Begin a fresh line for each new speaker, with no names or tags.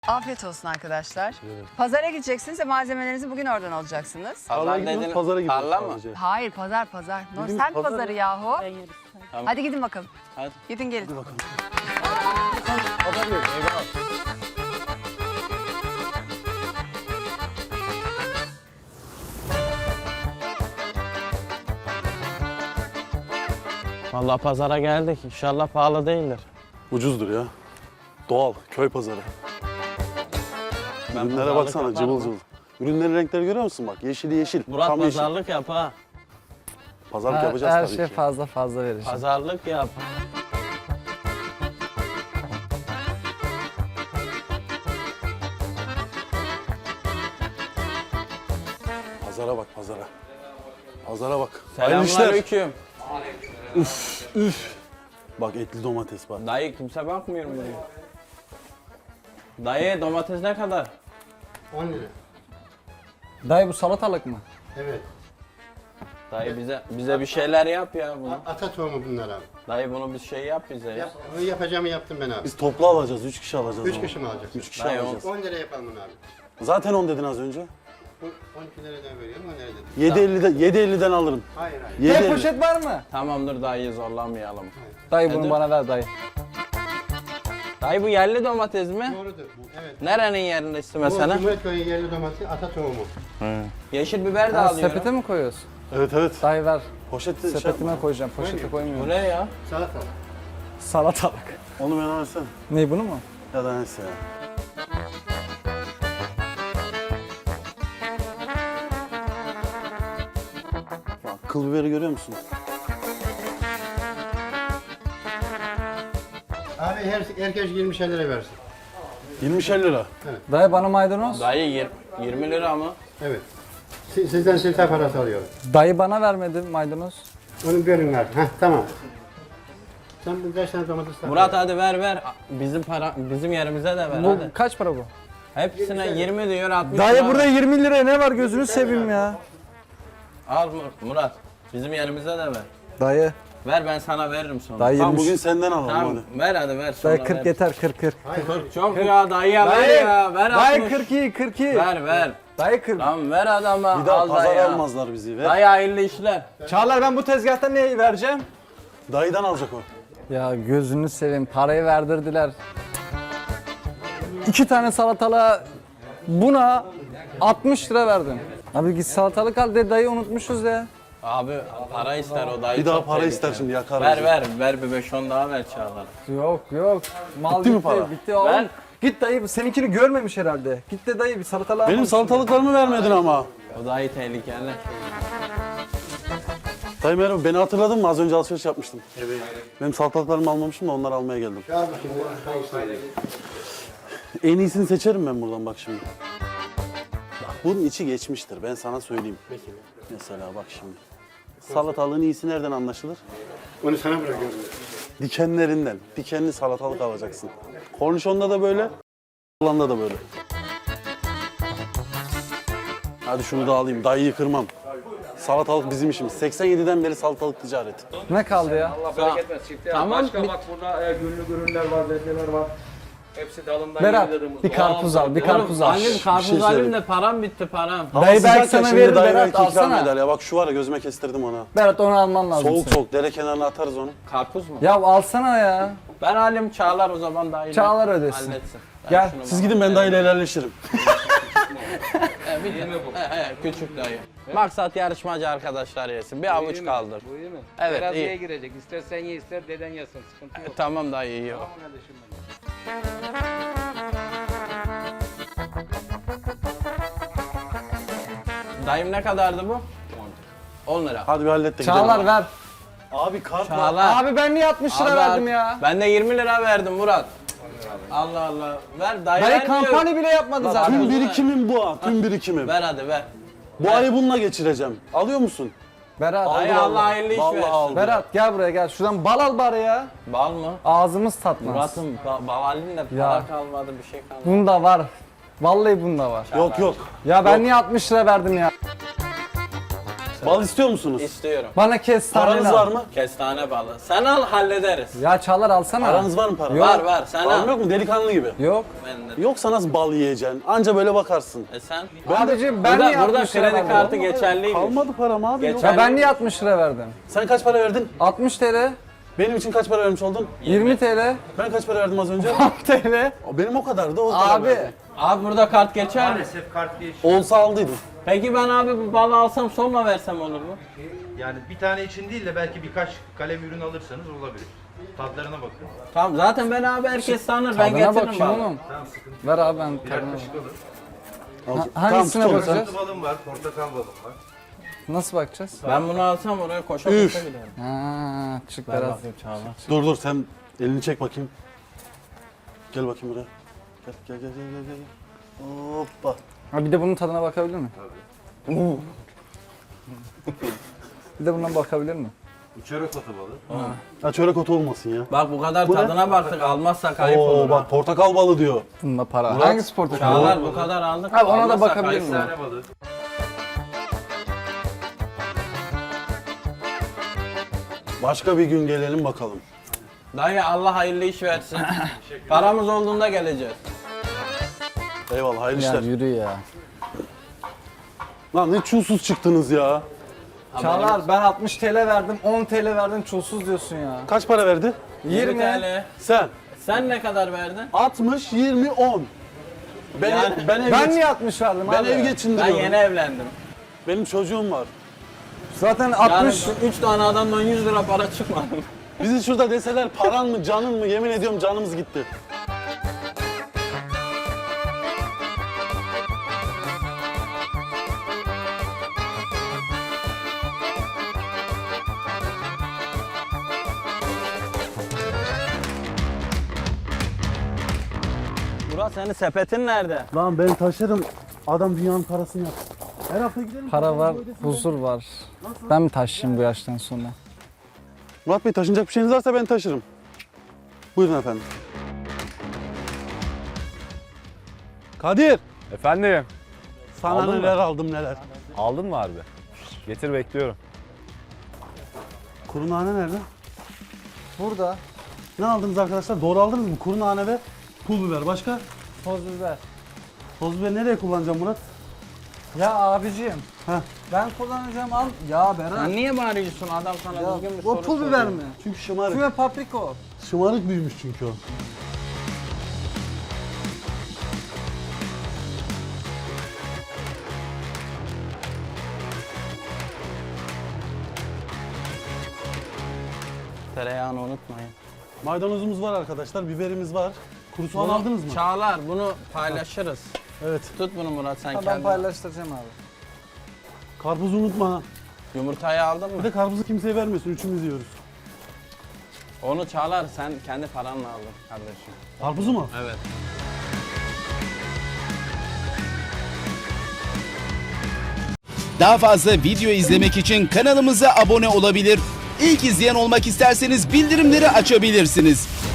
Afiyet olsun arkadaşlar.
Evet.
Pazara gideceksiniz ve malzemelerinizi bugün oradan alacaksınız.
Pazara gidiyoruz, pazara gidiyoruz
Tarla mı?
sadece.
Hayır pazar.
Bildiğimiz
Semt
pazar
pazarı
ya.
yahu.
Tamam.
Hadi gidin bakalım.
Hadi.
Gidin gelin.
Hadi bakalım.
Pazar yok. Eyvallah. Vallahi pazara geldik. İnşallah pahalı değildir.
Ucuzdur ya. Doğal, köy pazarı. Ürünlere
pazarlık
baksana,
yaparım
cıvıl
ha.
cıvıl. Ürünlerin renkleri görüyor musun bak? Yeşili yeşil.
Murat
Tam yeşil.
pazarlık yap ha.
Pazarlık yapacağız
Her
tabii
şey
ki.
fazla vereceğim.
Pazarlık yap.
Pazara bak, pazara. Pazara bak. Hayırlı işler.
Selamünaleyküm.
Üf. Bak etli domates var.
Dayı kimse bakmıyor mu buraya? Dayı domates ne kadar?
10 lira.
Dayı bu salatalık mı?
Evet.
Dayı bize bir şeyler yap ya bunu.
Ata tohumu bunlar abi.
Dayı bunu bir şey yap bize ya.
Onu yapacağımı yaptım ben abi.
Biz toplu alacağız, 3 kişi alacağız.
3
ama.
kişi mi alacaksın?
3 kişi
Dayı,
alacağız.
10 lira yapalım bunu abi.
Zaten 10 dedin az önce.
12 liradan veriyorum 10 lira dedim.
7.50'den alırım.
Hayır hayır.
7.50.
Poşet var mı?
Tamamdır dayı zorlamayalım.
Dayı bunu
Nedir?
bana ver dayı.
Dayı bu yerli domates mi?
Doğrudur. Evet.
Nerenin yerlisi
Bu
mesela?
Cumhuriyetköy'ün yerli domatesi ata tohumu.
Yeşil biber de
Ha,
alıyorum.
sepete mi koyuyorsun?
Evet evet.
Dayı ver.
Poşeti şey
Sepetime
yapma.
koyacağım. Poşete
Bu
koymuyorum.
ne ya?
Salatalık.
Salatalık.
Onu bana versene.
Ne bunu mu?
Ya da neyse ya. Bak kıl biberi görüyor musun?
Abi herkes 20 lira versin.
20'şer lira.
Dayı bana maydanoz.
Dayı 20 lira mı?
Evet. Sizden silta parası alıyorum.
Dayı bana vermedi maydanoz.
Onu bölün abi. Heh tamam. Sen bir kaç tane domates
Murat hadi ver. Bizim yerimize de ver
Bu
hadi.
kaç para bu?
Hepsine 20 diyor 60
Dayı
lira.
burada 20 liraya ne var gözünü seveyim ya.
Al Murat. Bizim yerimize de ver.
Dayı.
Ver ben sana veririm sonra.
Dayı
Tamam
20.
bugün senden alalım
Tamam
hadi.
ver hadi ver sonra
Dayı 40
ver.
yeter 40.
Çok ya dayıya ver
Dayı.
ya. Ver
Dayı
60.
42 42.
Ver.
Dayı 40.
Tamam ver adama.
Bir daha
al
pazar
dayı.
almazlar bizi. Ver.
Dayı hayırlı işler.
Çağlar ben bu tezgahta ne vereceğim?
Dayıdan alacak o.
Ya gözünü seveyim parayı verdirdiler. 2 tane salatalığa buna 60 lira verdim. Abi git salatalık al de dayı unutmuşuz ya.
Abi para ister o dayı.
Bir daha
çok
para
tehlikeli.
ister şimdi yakar
Ver
bizi.
ver bir 5-10 daha ver Çağlar.
Yok. Mal
Bitti mi para?
Bitti oğlum.
Ver.
Git dayı seninkini görmemiş herhalde. Git de dayı bir salatalığa
Benim
al.
salatalıklarımı vermedin ama.
O dayı tehlikeli.
Dayı merhaba beni hatırladın mı? Az önce alışveriş yapmıştım. Evet. Benim salatalıklarımı almamıştım da onları almaya geldim.
Abi şimdi hangisini?
En iyisini seçerim ben buradan bak şimdi. Bak bunun içi geçmiştir ben sana söyleyeyim. Mesela bak şimdi. Salatalığın iyisi nereden anlaşılır?
Onu sana bırakıyorum.
Dikenlerinden. Dikenli salatalık alacaksın. Kornişonda da böyle, Hollanda da böyle. Hadi şunu da alayım, dayıyı kırmam. Salatalık bizim işimiz. 87'den beri salatalık ticareti.
Ne kaldı ya?
Allah bereket versin çifte.
Tamam,
Başka bak burada günlük ürünler var, bezeler var. Hepsi dalından
Berat
yediğimiz
bir
doğal
karpuz al, bir
doğal-
karpuz al.
Annem
şey
karpuz alayım
söyleyeyim.
da param bitti param.
Hava
Dayı belki
sıcak ya,
sana
şimdi
verir,
dayı
Berat,
belki ikram
alsana.
eder ya. Bak şu var ya gözüme kestirdim ona.
Berat onu alman lazım.
Soğuk
senin.
soğuk dere kenarına atarız onu.
Karpuz mu?
Ya alsana ya.
Ben halim Çağlar o zaman dayıyla.
Çağlar ödesin.
Halletsin. Ben
Gel,
şunu
Siz gidin ben dayıyla helalleşirim.
küçük dayı. Maksat yarışmacı arkadaşlar yesin. Bir avuç
İyi mi?
kaldır.
Bu iyi mi?
Evet,
Teraziye
iyi.
girecek. İstersen ye ister deden yesin. Sıkıntı yok.
Tamam dayı iyi o.
Tamam kardeşim benim.
Dayım ne kadardı bu? 10 lira.
Hadi bir hallet de
Çağlar
gidelim.
ver.
Abi kart var.
Çağlar.
Abi ben niye 60 lira
Abi,
verdim ya?
Ben de 20 lira verdim Murat. Allah Allah. Ver dayı
Dayı
vermiyor.
kampanya bile yapmadı zaten.
Tüm birikimim bu ha, tüm birikimim.
Ver hadi ver.
Bu ayı bununla geçireceğim. Alıyor musun?
Berat,
Dayı Allah hayırlı iş
Vallahi
versin.
aldım.
Berat gel buraya gel. Şuradan bal al bari ya.
Bal mı?
Ağzımız tatmaz.
Murat'ım bavalin de para
Ya.
kalmadı bir şey kalmadı.
Bunda var. Vallahi bunda var.
Yok yok.
Ya ben niye 60 lira verdim ya?
Bal istiyor musunuz?
İstiyorum.
Bana kestane
Paranız var mı?
Kestane balı. Sen al hallederiz.
Ya Çağlar alsana.
Paranız var mı para?
Yok.
Var sen
Param
al.
yok mu? Delikanlı gibi.
Yok.
Ben de.
Yoksa nasıl bal yiyeceksin? Anca böyle bakarsın.
Sen?
Abicim ben niye
Burada
60 lira
kredi
verdim?
kartı geçerliymiş.
Kalmadı param abi. yok.
Geçen-
Ya ben niye 60 lira verdim?
Sen kaç para verdin?
60 TL,
Benim için kaç para vermiş oldun?
20 TL,
Ben kaç para verdim az önce?
10 TL.
Benim o kadardı. O kadar
Abi
verdim.
Abi burada kart geçer mi?
Maalesef kart geç.
Olsa aldıydım.
Peki ben abi bu balı alsam sonra versem olur mu?
Yani bir tane için değil de belki birkaç kalem ürün alırsanız olabilir. Tadlarına bakın.
Tamam zaten ben abi herkes tanır ben
tadına
getiririm
bakayım
balı.
oğlum.
Tamam sıkıntı.
Ver abi ben tadına.
Yaklaşık alın.
Hangisine
tutalım.
bakacağız?
Kırmızı balım var, portakal balım var.
Nasıl bakacağız?
Ben bunu alsam oraya koşa
Üf.
koşa giderim.
Ha, çık
Ver
biraz.
bakayım Çağla.
Dur sen elini çek bakayım. Gel bakayım buraya. Gel. Hoppa.
Ha, bir de bunun tadına bakabilir mi? Tabii. Bir de bundan bakabilir mi?
Bu çörek otu balı.
Ha çörek otu olmasın ya.
Bak bu kadar
Bu ne?
tadına baktık almazsak ayıp
Oo
olur.
bak portakal balı diyor.
Bunda para.
Murat.
Hangisi portakal?
Çağlar bu kadar aldık.
Abi ona da
almazsak
bakabilir
ayıp
miyim?
olur.
Kestane balı.
Başka bir gün gelelim bakalım.
Dayı Allah hayırlı iş versin. Paramız olduğunda geleceğiz.
Eyvallah hayırlı
Ya
işler.
yürü ya.
Lan ne çulsuz çıktınız ya.
Çağlar ben 60 TL verdim, 10 TL verdim, çulsuz diyorsun ya.
Kaç para verdi?
20
20.
TL.
Sen.
Sen ne kadar verdin?
60, 20, 10. Ben,
Yani
ben,
Ben niye 60 verdim
ben
abi?
ev
Ben
geçindiriyorum.
yeni evlendim.
Benim çocuğum var.
Zaten
Yani
60.
3 tane adamdan 100 lira para çıkmadı.
Bizi şurada deseler paran mı canın mı yemin ediyorum canımız gitti.
Murat senin sepetin nerede?
Lan ben taşırım. Adam dünyanın parasını yapsın. Her hafta gidelim.
Para var, huzur var. Ben mi taşıyayım bu yaştan sonra?
Murat Bey taşınacak bir şeyiniz varsa ben taşırım. Buyurun efendim. Kadir.
Efendim,
Sana
Aldın mı?
neler aldım neler.
aldın mı harbi? Getir bekliyorum.
Kuru nane nerede?
Burada
Ne aldınız arkadaşlar? Doğru aldınız mı? Kuru nane ve pul biber. Başka?
toz biber.
Toz biber nereye kullanacağım Murat?
Ya abicim.
Heh.
Ben kullanacağım al. Ya Berat.
Sen niye bağırıyorsun adam sana
Ya,
düzgün bir
o
soru
pul
soruyor.
biber mi?
Çünkü şımarık.
Şu ve papriko.
Şımarık büyümüş çünkü o.
Tereyağını unutmayın.
Maydanozumuz var arkadaşlar, biberimiz var. Kuru soğan
Bunu-
aldınız mı?
Çağlar bunu paylaşırız.
Evet.
Tut bunu Murat sen
Ben
kendin.
paylaştıracağım abi.
Karpuzu unutma ha.
Yumurtayı aldın
Bir
mı?
de karpuzu kimseye vermiyorsun, üçümüz yiyoruz.
Onu Çağlar sen kendi paranla aldın kardeşim.
Karpuzu mu?
Evet.
Daha fazla video izlemek için kanalımıza abone olabilir. İlk izleyen olmak isterseniz bildirimleri açabilirsiniz.